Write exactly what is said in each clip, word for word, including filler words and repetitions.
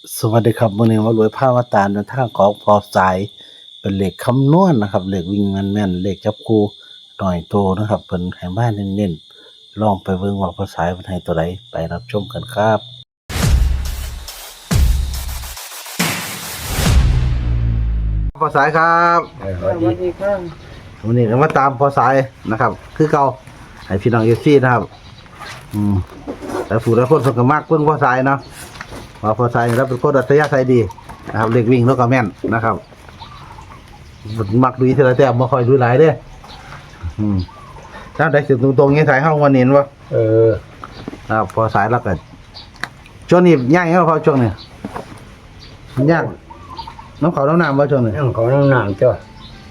สวัสดีครับวันนี้มารวยผ้ามาตามในทางของพอสายเป็นเลขคำนวณนะครับเลขวิ่งแม่นๆเลขจับคู่หน่อยโตนะครับเพิ่นให้มาเน้นๆลองไปเบิ่งว่าพอสายเพิ่นให้ตัวใดไปรับชมกันครับพอสายครับสวัสดีค่ะวันนี้ก็มาตามพอสายนะครับคือเก่าให้พี่น้อง เอฟ ซี นะครับอืมแต่ผู้ใดคนเพิ่นก็มักเบิ่งพอสายเนาะว่าพอสายนี่เราเป็นคนอัธยาศัยดีนะครับเลขวิ่งแล้วก็แม่นนะครับมักดูทีละแต้มบ่ค่อยดูหลายเด้ออืมถ้าได้สิตรงๆงี้สายเฮาวันนี้บ่เออครับพอสายแล้วก็ช่วงนี้ย่างเฮาพอช่วงนี้ย่างน้ำเขาน้ำน้ำบ่ช่วงนี้นั่งของน้ำหนามจ้ะ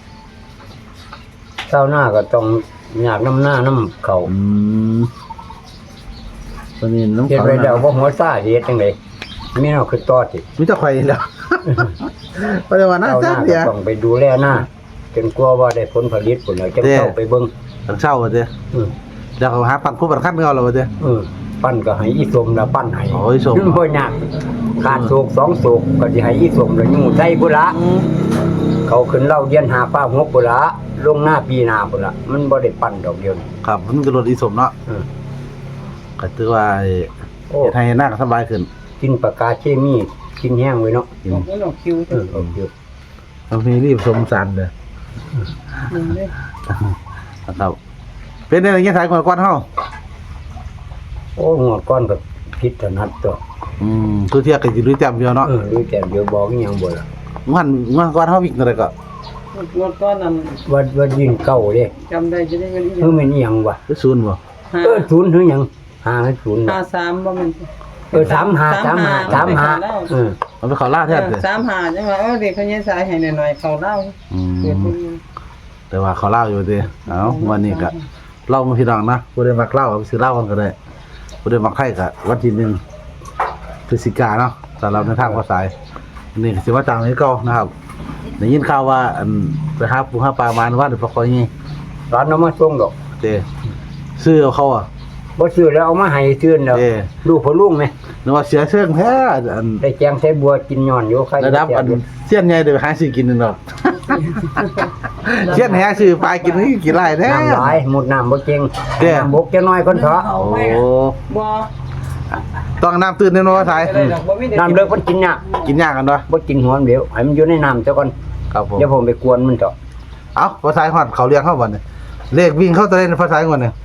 เช้าหน้าก็ต้องอยากน้ำหน้าน้ำเขาอืมตัวนี้น้ำเห็นเขาไปเดาว่าหัวซ่าเฮ็ดจังไดมีเอาคือตอดสิมีแต่ไข่แล้วเพราะว่าน่าเช้าหจัน้าก ก็เดียวต้องไปดูแลหน้าจนกลัวว่าได้ผลผลิตผลแล้วจะเข้าไปเบิ่งตอนเช้าว่าเด้ออือเดี๋ยวเขาหาปั่นคู่ปั่นคันเอาแล้วว่าเด้อเออปั้นก็ให้อีสมแล้วปั้นให้โอ้ยสมบ่ยากขาดโศกสองโศกก็สิให้อีสมแล้วอยู่ใส่พุ่นละเขาขึ้นเล่าเรียนหาป้าหกพุ่นละลงหน้าปีหน้าพุ่นละมันบ่ได้ปั้นดอกเดียวนี่ครับมันก็ลดอีสมเนาะเออก็ถือว่าโอ้เฮ็ดให้หน้าก็สบายขึ้นกินปากกาเคมีกินแห้งไว้เนาะกินไม่หลอกคิวเออเอาเยอะบางทีรีบสมสันเด้อมึงเลยนะครับเป็นได้ยังไงสายก่อนก่อนเฮาโอ้หัวก้อนกับพิษถนัดตัวอืมคือเที่ยก็สิรู้จำอยู่เนาะเออรู้แต่เดี๋ยวบอกอีหยังบ่ล่ะมันมันก่อนเฮาวิ่งเท่าใดก็รถก้อนนั้นว่าว่ายิงเก่าเด้จำได้จะได้เงินอีกคือมันอีหยังวะคือศูนย์บ่ห้าเออศูนย์คือหยังห้าศูนย์ห้าสามบ่แมันเออสามห้าสามห้าสามห้าเออมันไปเข้าล่าแท้เด้อสามห้าจังว่าเออเด็กเขาเนี่ยสายให้หน่อยๆเขาเล่าอืเกิดมเป็นแต่ว่าเขาเล่าอยู่เด้เอ้าวันนี้ก็เล่ามาพี่น้องนะบ่ได้มักเล่าเอาไปซื้อเหล้ากันก็ได้บ่ได้มักไข่ก็วันที่หนึ่งพฤศจิกายนเนาะสำหรับในทางภาษาอันนี้ก็สิว่าตามนี้เก่านะครับได้ยินข่าวว่าอันไปหาปูหาปลามาว่าเดี๋ยวปลาคอยนี่ร้านเอามาส่งดอกเด้ซื้อเอาเขาอ่ะบ่ซื้อแล้วเอามาให้ซื้อแล้วเด้ลูกพ่อลุงไหมนึกว่าเสียเชิงแท้อันได้แจงใส่บัวกินย้อนอยู่ใครระดับอันเสี้ยนใหญ่เดี๋ยวไปหาซื้อกินนึงดอกเสี้ยนแท้ซื้อปลากินนี่กี่ไร่แท้น้ำหลายหมดน้ำบ่เก่งเด้น้ำบกจะน้อยคนเถาะโอ้บ่ต้องน้ำตื่นแน่นอนว่าไทยได้ดอกบ่มีได้น้ำเลิกมันกินยากกินยากกันเนาะบ่กินหัวมันเดี๋ยวให้มันอยู่ในน้ำซะก่อนครับผมเดี๋ยวผมไปกวนมันเถาะเอ้าภาษาฮอดเขาเรียกเข้าบ่เนี่ยเลขวิ่งเข้าตัวเล่นภาษาก่อนเนี่ย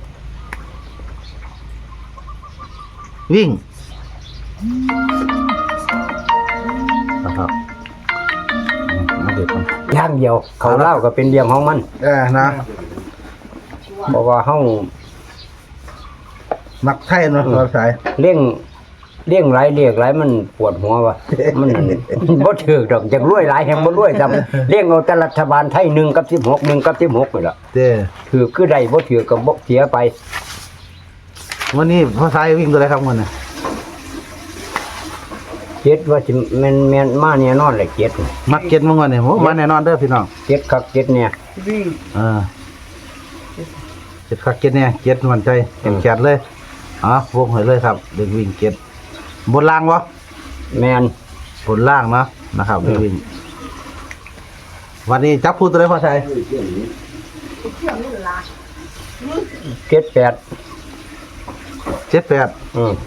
วิ่งนะครับอืมมาเด็ดกันอย่างเดียวเขาเล่าก็เป็นเรื่องของมันเออนะเพราะว่าเฮามักไทยเนาะภาษาเลี้ยงเลี้ยงหลายเรียกหลายมันปวดหัวว่ะมัน บ่ถูกดอกจักรวยหลายแฮงบ่รวยซ้ำเลี้ยงเอาแต่รัฐบาลไทยหนึ่งกับสิบหก หนึ่งกับสิบหกนี่ล่ะเด้ถือคือได้บ่ถือก็บ่เสียไปวันนี้ภาษาวิ่งตัวอะไรครับวันนี้เจ็ดว่าสิแม่นแม่นมาแน่นอนแหละเจ็ดมักเก็ตมั้งวันนี้โหมาแน่นอนเด้อพี่น้องเจ็ดคักเจ็ดเนี่ยวิ่งเออเก็ตคักเก็ตเนี่ยเก็ตมันใจเก็บแขนเลยอ๋อวงให้เลยครับเด็กวิ่งเก็ตบนล่างวะแม่นบนล่างเนาะนะครับเด็กวิ่งวันนี้จับพูดตัวไหนพ่อชัยเจ็ดแปดเจ็ดแปดอือ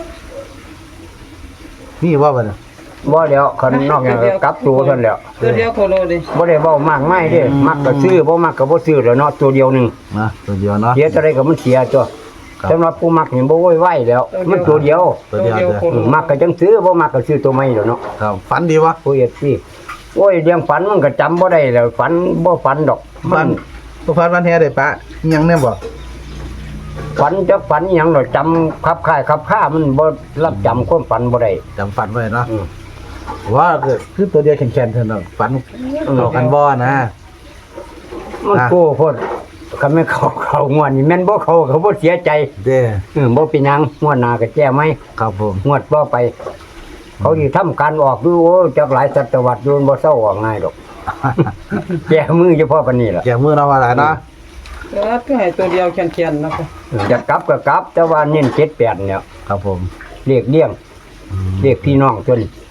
นี่ว่าวันนี้บ่แล้วคันนอกจากกลับตัวเท่านั้นแล้วตัวเดียวโคโลเด้บ่ได้เว้ามากมายเด้มักก็ซื้อบ่มักก็บ่ซื้อแล้วเนาะตัวเดียวหนึงนะตัวเดียวเนาะเสียเท่าไรก็มันเสียจ้ะครับสำหรับผู้มักนี่บ่โวยวายแล้ว มันตัวเดียวตัวเดียวโคเด้อโลมักก็จังซื้อบ่มักก็ซื้อตัวใหม่แล้วเนาะครับฝันดีวะผู้เฮ็ดสิโอ้ยเรื่องฝันมันก็จำบ่ได้แล้วฝันบ่ฝันดอกฝันบ่ฝันวันแท้ได้ปะยังแน่บ่ฝันจักฝันอิหยังดอกจำคับคายคับค่ามันบ่รับจำความฝันบ่ได้จำฝันไว้เนาะอือว่าคือตัวเดียวแข็งๆเท่านั้นฝันเข้ากันบ่นะมันอ่ะโก้โพดคันแม่นเขาเขางวดนี่แม่นบ่เขาเขาบ่เสียใจเด้อเออบ่เป็นหยังงวดหน้าก็แก้ไหมครับผมงวดต่อไป เขาสิทำการออกดูโอ้จักหลายศตวรรษอยู่บ่เซาออกง่ายดอก แก้มือเฉพาะปานนี้ล่ะแกมือเราว่าหลายเนาะเออก็ให้ตัวเดียวแข็งๆนะคะจะกลับก็กลับ แต่ว่าเน้นเจ็ดแปดเนี่ยครับผมเรียกเลี้ยงเรียกพี่น้องจนอ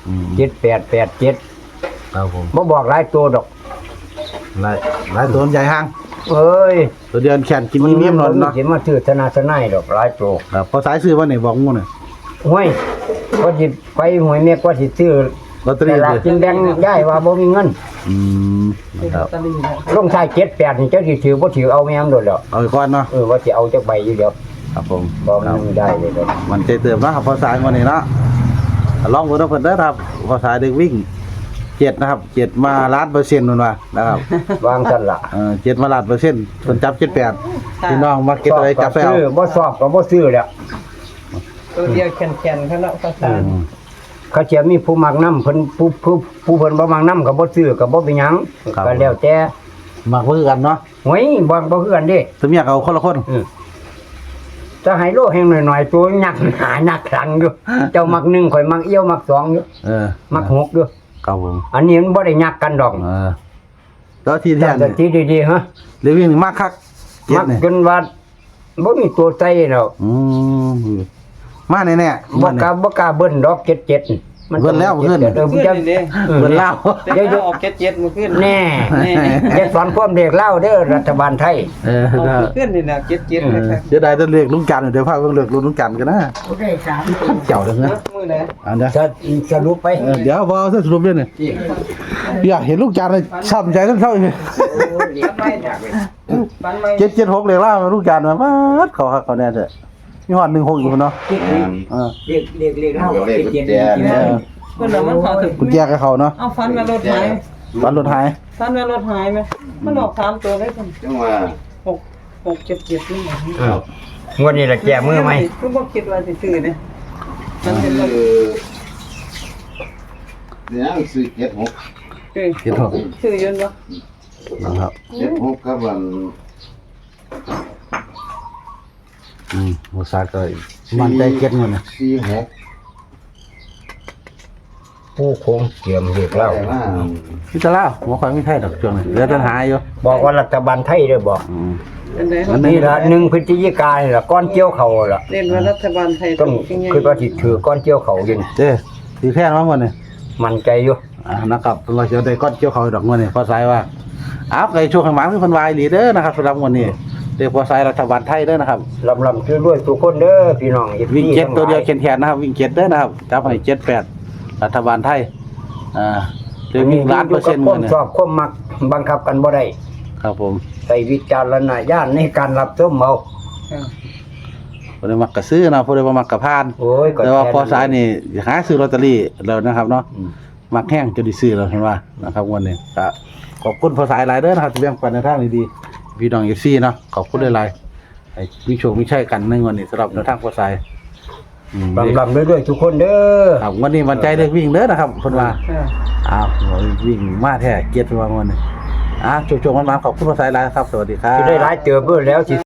อืมเจ็ดแปดแปดเจ็ดครับผมบ่บอกหลายตัวดอกหลายหลายตัวใหญ่ห่างเอ้ยตัวเดียวแขนกินมีเมียมนอนเนาะสิมาถือธนาสนายดอกหลายตัวครับพอสายซื้อว่าไหนบอกงูน่ะห้วยก็สิไปหวยแม่ก็สิซื้อลอตเตอรี่แต่ละดิกินแบงย้ายว่าบ่มีเงินอืมเป็นคลอรัตบเตอรี่นะลงท้ายเจ็ดแปดนี่เจ้าสิถือบ่ถือเอาแม่มโดดแล้วเอาไปก่อนเนาะเออว่าสิเอาจักใบอยู่เดียวครับผมบ่ครับมันได้เลยดอกมันใจเติมเนาะครับพอสายวันนี้เนาะลองเพิ่นเอาเพิ่นเด้อครับพอสายเด็กวิ่งเจ็ดนะครับเจ็ดมาล้านเปอร์เซ็นต์นู่นว่านะครับวางซั่นล่ะเออเจ็ดมาล้านเปอร์เซ็นต์เพิ่นจับเจ็ดแปดพี่น้องมาเก็ตอะไรจับไปซื้เอาอบ่สอบก็บ่ซื้อแล้วตัวเดียวแข็งๆเขาเนาะภาษาอืมเขาเจะมีผู้มักน้ำเพิ่นผู้ผู้ผู้เพิ่นบ่มักน้ำก็บ่ซื้อก็บ่เป็นหยังก็แล้วแต่มักเพื่อกันเนาะหวยบ่บ่คือกันเด้ตัวเมียก็เอาคนละคนอือจะให้โลแห่งหน่อยๆตัวยักหายักครั้งอยู่ เจ้ามักหนึ่งข่อยมักเอี้ยวมักสองอยู่เออมักหกอยู่ครับผมอันนี้มันบ่ได้ยักกันดอกเออแล้วที่แท้แต่นี่ที่ดีๆฮะเรียกวิ่งมากคักเจ็มัดกนี่จนว่าบ่มีตัวใจแล้วอืมมาแน่ๆบ่มากล้าบ่กล้าเบิ้นดอกเจ็ดเจ็ดเบิ้ลแล้วเบิ้ลเออขึ้นจะนี่เด้เออเบิ้ลแล้วเดี๋ยวออกเจ็ดเจ็ดมาขึ้นแน่อย่าสอนความเด็กเล่าเด้อรัฐบาลไทยเออออกขึ้นนี่นะเจ็ดเจ็ดนะครับเดี๋ยวได้ต้องเรียกลุงกันเดี๋ยวพาเพิ่งเรียกลุงกันกันนะได้สามเจ้าเด้อนะมือไหนอันเด้อจะสรุปไปเออเดี๋ยวพอสรุปเรื่องนี่อยากเห็นลุงกันเลยช้ำใจทั้งเท่าเลยปันไม่ปันไม่เจ็ดเจ็ดหกเรียกล่ามาลุงกันมามาเขาฮักเขาแน่เถอะมีหอดหนึ่งหกอยู่เนาะเออเรียกเรียกเรียกเล่าเจ็ดเจ็ดเออเพิ่นน่ะมันเข้าถึงกุญแจกับเขาเนาะเอาฟันมารถหายวันรถหายฟันมารถหายไหมมันออกสามตัวได้พุ่นจังว่าหกหกเจ็ดเจ็ดนี่หว่าอ้าวงวดนี้ละแก้มือไหมคือบ่คิดว่าสิซื้อเด้มันเป็นคืว่าอเดี๋ยวซื้อเจ็ดหกซื้อเจ็ดหกซื้อยืนบ่นะครับเจ็ดหกครับวันอืมโมซาก็มันใจเก็ตเงินนะสี่หกผู้คงเตรียมเรียกเล่าแต่ว่าพี่ตะล่าหัวควายไม่ใช่ดอกช่วงนี้เหลือแต่หายอยู่บอกว่ารัฐบาลไทยเด้อบอกอืมอันใดอันนี่ละหนึ่งพฤศจิกายนล่ะก้อนเกี่ยวเขาล่ะเรียนว่ารัฐบาลไทยต้องเป็นไงคือว่าสิถือก้อนเกี่ยวเขาอยินเจ้ตีแท่นมาหมดเนี่ยมันใจอยู่อ่านะครับเป็นว่าจะได้ก้อนเกี่ยวเขาดอกเงินเนี่ยพอสายว่าอ้าวไก่ช่วงข้างหลังคือเพันวายหลีเด้อนะครับสำหรับวันนี้เดี๋ยวพอสายรัฐบาลไทยเด้อนะครับลำลำคือรวยทุกคนเด้อพี่น้องวิ่งเจ็ดตัวเดียวแขนๆนะครับ วิ่งเจ็ดเด้อนะครับจับให้เจ็ดแปดรัฐบาลไทยอ่าเดี๋ยววิ่งล้านเปอร์เซ็นต์คเงิวาน มเนี่ยชอบความมักบังคับกันบ่ได้ครับผมใส่วิจารณญาณในการรับชมเอาอ่าพอได้มักกระซื้อนะพอได้มามักกระพานโอ้ยก็แต่ว่าค่พอสายนี่หาซื้อลอตเตอรี่แล้วนะครับเนาะอืมมักแห้งจะได้ซื้อแล้วเห็นว่านะครับวันนี้ก็ขอบคุณพอสายหลายเด้อนะครับที่แบ่งปันในทางดีๆพี่น้องเอฟซีเนาะขอบคุณหลายๆไอ้วิโชควิชัยกันในวันนี้สำหรับในทางพอสายอืมลำลำด้วยๆทุกคนเด้อครับวันนี้มันใจเลือกวิ่งเด้อนะครับเพิ่นว่าอ่าอ้าววิ่งมาแท้เกียรติว่าวันนี้อ่ะโชคๆมันๆขอบคุณพอสายหลายครับสวัสดีครับสิได้หลายเติบเบิ่แล้วสิ